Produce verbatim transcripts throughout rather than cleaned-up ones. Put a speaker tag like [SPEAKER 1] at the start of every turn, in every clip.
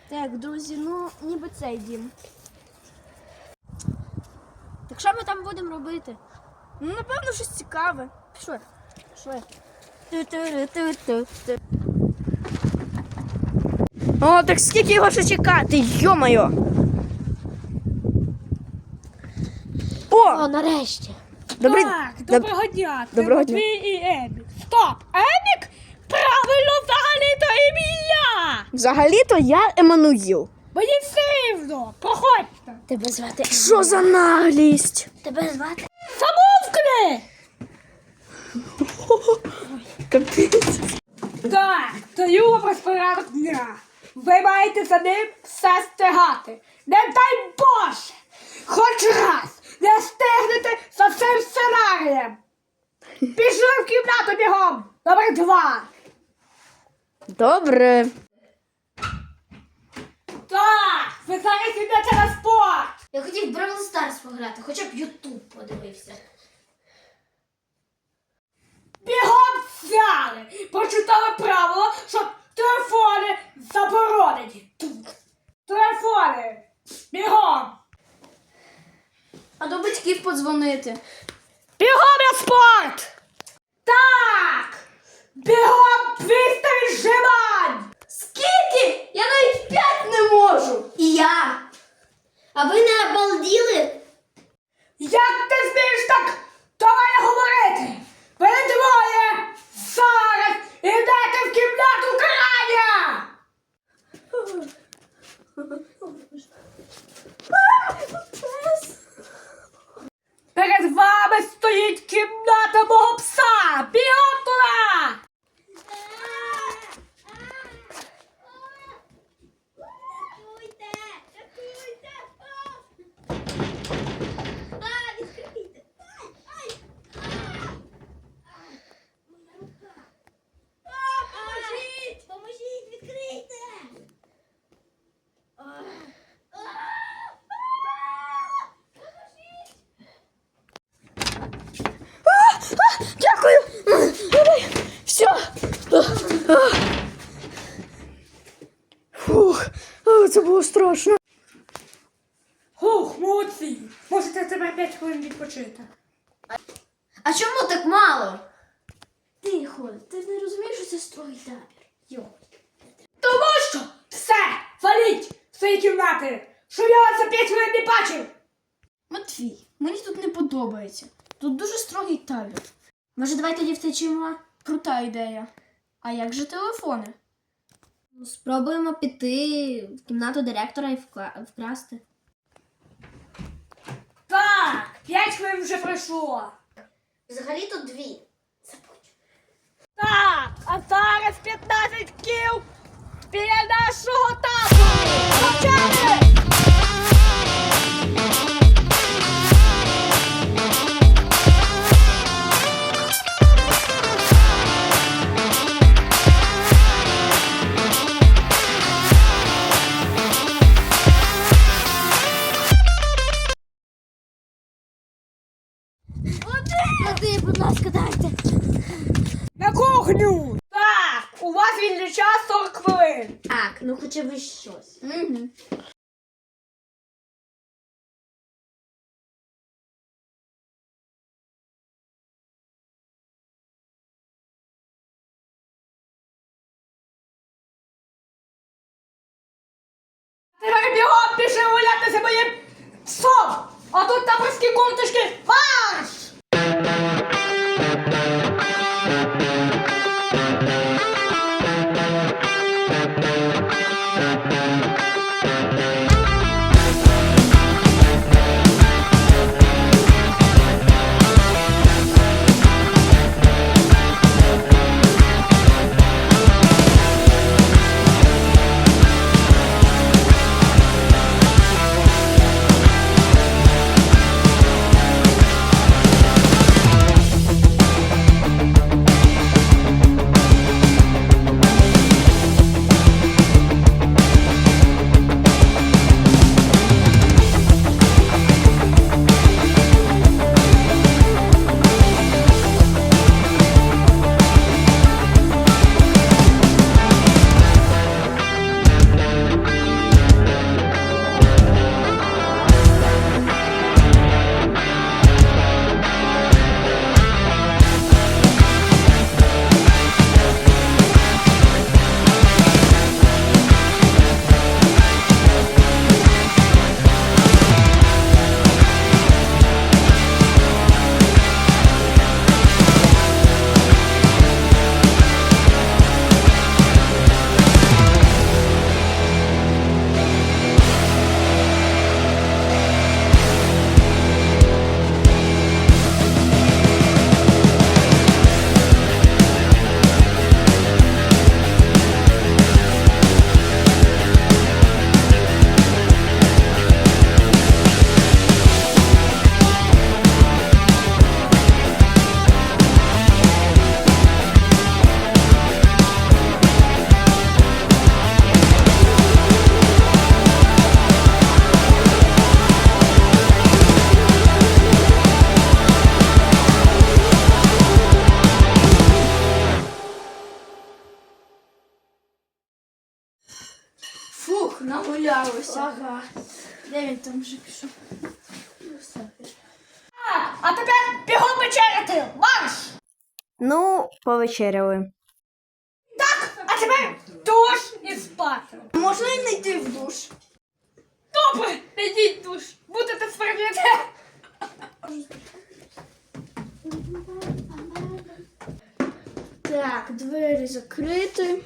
[SPEAKER 1] Так, друзі, ну ніби цей дім. Так що ми там будемо робити? Ну, напевно, щось цікаве. Пішли. Пішли. Ту-ту-ру-ту-ту-ту. О, так скільки його ще чекати, йо-моє! О!
[SPEAKER 2] О, нарешті.
[SPEAKER 1] Добрий...
[SPEAKER 3] Так, доброго дня. Це
[SPEAKER 1] Доброго дня.
[SPEAKER 3] Матвій і Емік. Стоп! Емік? Правильно, взагалі-то ім'я!
[SPEAKER 1] Взагалі-то я Еммануїл.
[SPEAKER 3] Мені все рівно. Проходьте.
[SPEAKER 2] Тебе звати.
[SPEAKER 1] Що за наглість?
[SPEAKER 2] Тебе звати.
[SPEAKER 3] Замовкни!
[SPEAKER 1] Капець.
[SPEAKER 3] Так, даю вам розпорядок дня. Ви маєте за ним все стигати. Не дай Боже! Хоч раз не встигнете за цим сценарієм. Пішли в кімнату бігом. Номер два.
[SPEAKER 1] Добре.
[SPEAKER 3] Так, ви зараз йдете на спорт.
[SPEAKER 2] Я хотів Бравл Старс пограти, хоча б Ютуб подивився.
[SPEAKER 3] Бігом взяли! Прочитали правила, що телефони заборонені. Телефони! Бігом!
[SPEAKER 1] А до батьків подзвонити.
[SPEAKER 3] Бігом на спорт! Так! Бігом двісті віджимань!
[SPEAKER 1] Скільки? Я навіть п'ять не можу.
[SPEAKER 2] І я. А ви не обалділи?
[SPEAKER 3] Як ти змієш так до мене говорити? Ви двоє зараз ідете в кімнату крання! Перед вами стоїть кімната мого пса! Бігом туди!
[SPEAKER 2] Поможіть! Поможіть, відкрийте!
[SPEAKER 1] Дякую. Все. Фух, це було страшно.
[SPEAKER 3] Хух, молодці! Можете тебе п'ять хвилин відпочити.
[SPEAKER 2] А чому так мало?
[SPEAKER 1] Тихо, ти не розумієш, що це строгий табір. Йо.
[SPEAKER 3] Тому що все, валіть в свої кімнати, щоб я вас за п'ять хвилин не бачив.
[SPEAKER 1] Матвій, мені тут не подобається. Тут дуже строгий табір. Може, давай тоді втечемо? Крута ідея. А як же телефони?
[SPEAKER 2] Ну, спробуємо піти в кімнату директора і вкла- вкрасти.
[SPEAKER 3] Так, п'ять хвилин вже пройшло.
[SPEAKER 2] Взагалі тут дві. Забудь.
[SPEAKER 3] Так, а зараз п'ятнадцять кіл біля нашого табору. Почали!
[SPEAKER 2] Води, будь ласка, дайте.
[SPEAKER 3] На кухню! Так, у вас вільний час сорок хвилин.
[SPEAKER 2] Так, ну хоча б щось.
[SPEAKER 1] Угу.
[SPEAKER 3] Тепер бігом пішли гулятися моїм псом! А тут таборські курточки марш!
[SPEAKER 1] Ух, нагулялося.
[SPEAKER 3] Ага.
[SPEAKER 1] Де він там вже пішов? Ну, все, пішов.
[SPEAKER 3] А, а тепер бігом вечеряти! Марш!
[SPEAKER 2] Ну, повечеряли.
[SPEAKER 3] Так, а тепер душ і спати.
[SPEAKER 1] Можна і не йти в душ?
[SPEAKER 3] Добре, не йдіть в душ. Будете свербіти.
[SPEAKER 1] Так, двері закриті.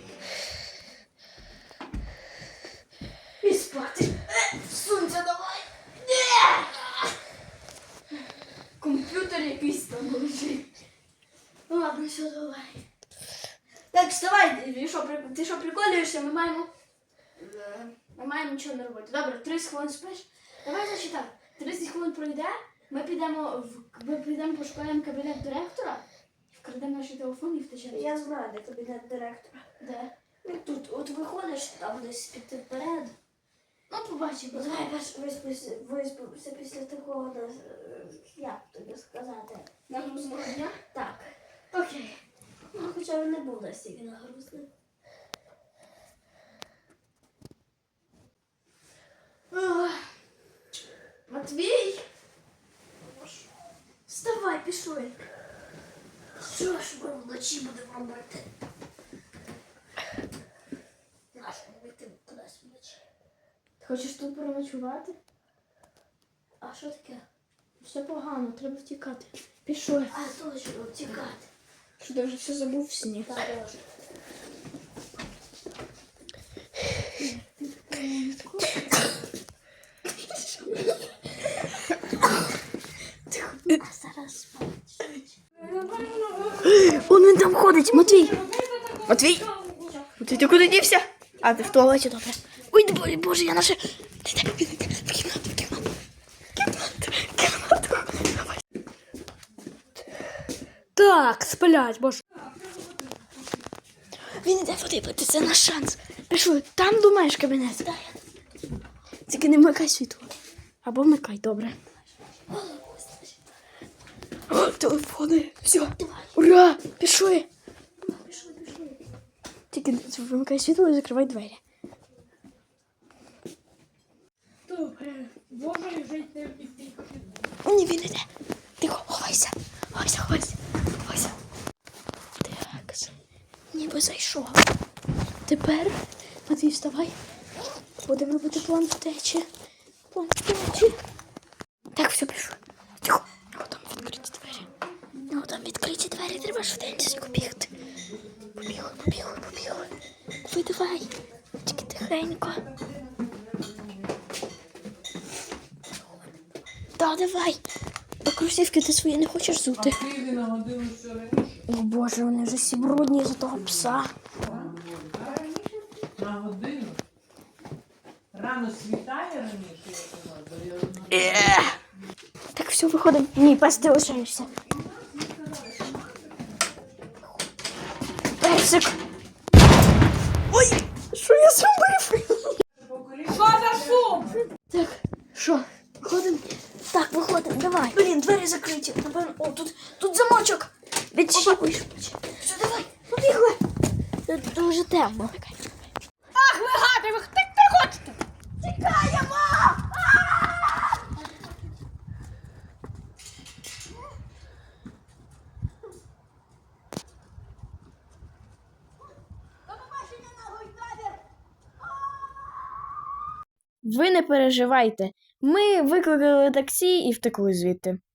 [SPEAKER 1] І спати. Е, Сунься давай. Ні! Комп'ютер якийсь там лежить. Ну ладно, все, давай. Так, вставай, ти що, при- ти що приколюєшся? Ми маємо. Е, Ми маємо нічого не робити. Добре, тридцять хвилин спиш. Давай значить так. тридцять хвилин пройде, ми підемо в ми підемо пошукаємо кабінет директора, вкрадемо наші телефони і втечемо.
[SPEAKER 2] Я знаю, де кабінет директора.
[SPEAKER 1] Де?
[SPEAKER 2] Ну, тут, от виходиш, там десь піти вперед.
[SPEAKER 1] Ну, побачимо.
[SPEAKER 2] Давай виспися, виспимося після такого, е, як тобі сказати.
[SPEAKER 1] Нагрузного дня?
[SPEAKER 2] Так,
[SPEAKER 1] Окей.
[SPEAKER 2] ну, хоча він не був настільки нагрузний.
[SPEAKER 1] Ох. Матвій! Вставай, пішли.
[SPEAKER 2] Що ж ми вночі будемо робити? Нащо ми йти кудись вночі?
[SPEAKER 1] Ти хочеш тут переночувати?
[SPEAKER 2] А що таке?
[SPEAKER 1] Все погано, треба втікати. Пішли.
[SPEAKER 2] А точно, тікати.
[SPEAKER 1] Що ти вже все забув в сні?
[SPEAKER 2] Так, може. А зараз спать.
[SPEAKER 1] Он він там ходить, Матвій! Матвій! Матвій, ти куди дівся? А, ти в туалеті, добре. Ой, боже, боже, я наше... Ти йде, він йде, в кімнату, в кімнату. Кімнату, кімнату. Давай.
[SPEAKER 3] Так, сплять, боже.
[SPEAKER 1] Він іде подивитися, це наш шанс. Пішли, там думаєш кабінет? Тільки не вмикай світло. Або вмикай, добре. О, телефони, все. Ура, пішли.
[SPEAKER 2] Пішли, пішли.
[SPEAKER 1] Тільки вимикай світло і закривай двері.
[SPEAKER 3] Добре, боже, жити не вміти.
[SPEAKER 1] Ні, він іде. Тихо, ховайся. Ховайся, ховайся. Ховайся. Так, ніби зайшов. Тепер, Матвій, вставай. Будемо робити план втечі. План втечі. Так, все, пішли. Тихо. О, там відкриті двері. О, там відкриті двері, треба швиденько бігти. Побігли, побігли, побігли. Ви давай. Тільки тихенько. Та, давай. А кросівки ти свої не хочеш зути?
[SPEAKER 4] А Києві на годину все раніше?
[SPEAKER 1] О боже, вони вже всі брудні за того пса.
[SPEAKER 4] На годину? Рано світає раніше, як у нас, бо я одна-
[SPEAKER 1] Так, все, виходимо. Ні, пес, ти лишаєшся. Песик. Ой, що я зробив?
[SPEAKER 3] Що за шум?
[SPEAKER 1] Так, що, виходимо? Так, виходимо, давай. Блін, двері закриті. Напевно, о, тут, тут замочок. Відчіпуєш. Все, давай, побігли. Тут дуже темно.
[SPEAKER 3] Ах, ви гади, ви втекти хочете?
[SPEAKER 1] Тікаємо! Ви не переживайте. Ми викликали таксі і втекли звідти.